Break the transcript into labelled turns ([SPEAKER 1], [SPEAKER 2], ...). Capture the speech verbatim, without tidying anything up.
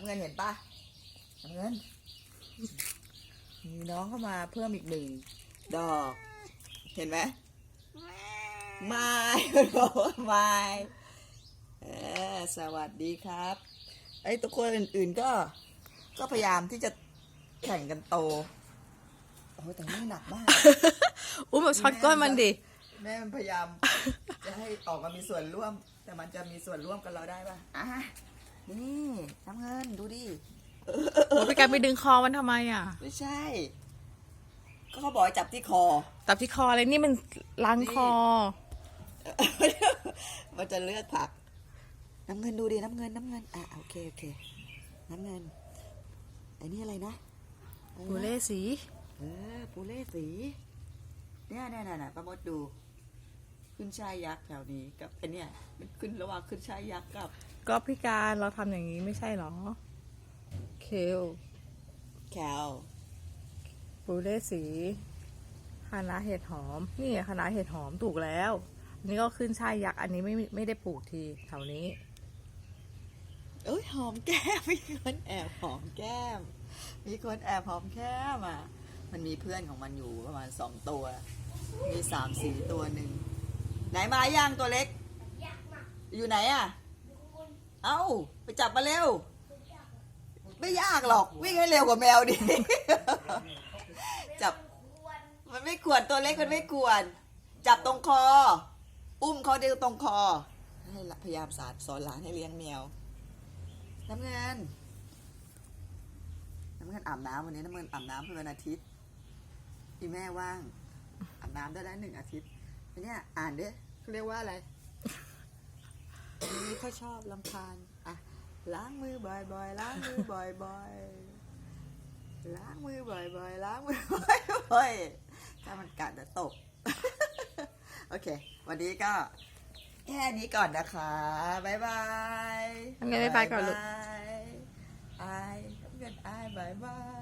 [SPEAKER 1] ำเงินเห็นปะน้ำเงินมีน้องเข้ามาเพิ่มอีกหนึ่งดอกเห็นไหมไม่บอกว่าไม่เออสวัสดีครับไอ้ตัวคนอื่นๆก็ก็พยายามที่จะแข่งกันโตโอ้แต่นี่หนักมาก
[SPEAKER 2] อุ้มแบบช็อตก้นมันดิ
[SPEAKER 1] แม่มันพยายามจะให้ออกมามีส่วนร่วมแต่มันจะมีส่วนร่วมกับเราได้ป่ะอ่ะนี่น้ำเงินดูดิ
[SPEAKER 2] โอ้พี่การไปดึงคอมันทำไมอ่ะ
[SPEAKER 1] ไม่ใช่ก็เขาบอกให้จับที่คอ
[SPEAKER 2] จับที่คออะไรนี่มันล้างคอ
[SPEAKER 1] มันจะเลือกผักน้ำเงินดูดิน้ำเงินน้ำเงินอ่ะโอเคโอเคน้ำเงินไอ้นี่อะไรนะ
[SPEAKER 2] ปูเล่สี
[SPEAKER 1] เออปูเล่สีเนี่ยเนี่ยเนี่ยป้ามดดูขึ้นช่ายยักษ์แถวนี้กับไอเนี่ยมันขึ้นระหว่างขึ้นช่ายยักษ์กับ
[SPEAKER 2] ก็พี่การเราทำอย่างนี้ไม่ใช่หรอเคล
[SPEAKER 1] แคล
[SPEAKER 2] ปูเล่สีคณะเห็ดหอมนี่คณะเห็ดหอมถูกแล้วอันนี้ก็ขึ้นช่ายยักษ์อันนี้ไม่ไม่ได้ปลูกทีแถวนี้
[SPEAKER 1] เอ้ยหอมแก้มมีคนแอบหอมแก้มมีคนแอบหอมแก้มอ่ะมันมีเพื่อนของมันอยู่ประมาณสองตัวมีสามสี่ตัวหนึ่งไหนมาย่างตัวเล็กอยู่ไหนอ่ะเอ้าไปจับมาเร็วไม่ยากหรอกวิ่งให้เร็วกว่าแมวดิจับมันไม่ขวนตัวเล็กมันไม่ขวนจับตรงคออุ้มเขาเดียวตรงคอให้พยายามสอนสอนหลานให้เลี้ยงแมวน้ำเงินน้ำเงินอาบน้ำวันนี้น้ำเงินอาบน้ำเพื่อวันอาทิตย์ที่แม่ว่างอาบน้ำได้แล้วหนึ่งอาทิตย์เนี่ยอ่านดิเขาเรียกว่าอะไรนี่เขาชอบลำคาญอ่ะล้างมือบ่อยๆล้างมือบ่อยๆล้างมือบ่อยๆล้างมือบ่อยๆถ้ามันกัดจะตกโอเควันนี้ก็แค่นี้ก่อนนะคะบ๊ายบาย
[SPEAKER 2] ทำไงบ๊ายบายก่อนลูก
[SPEAKER 1] อายเงินอายบายบาย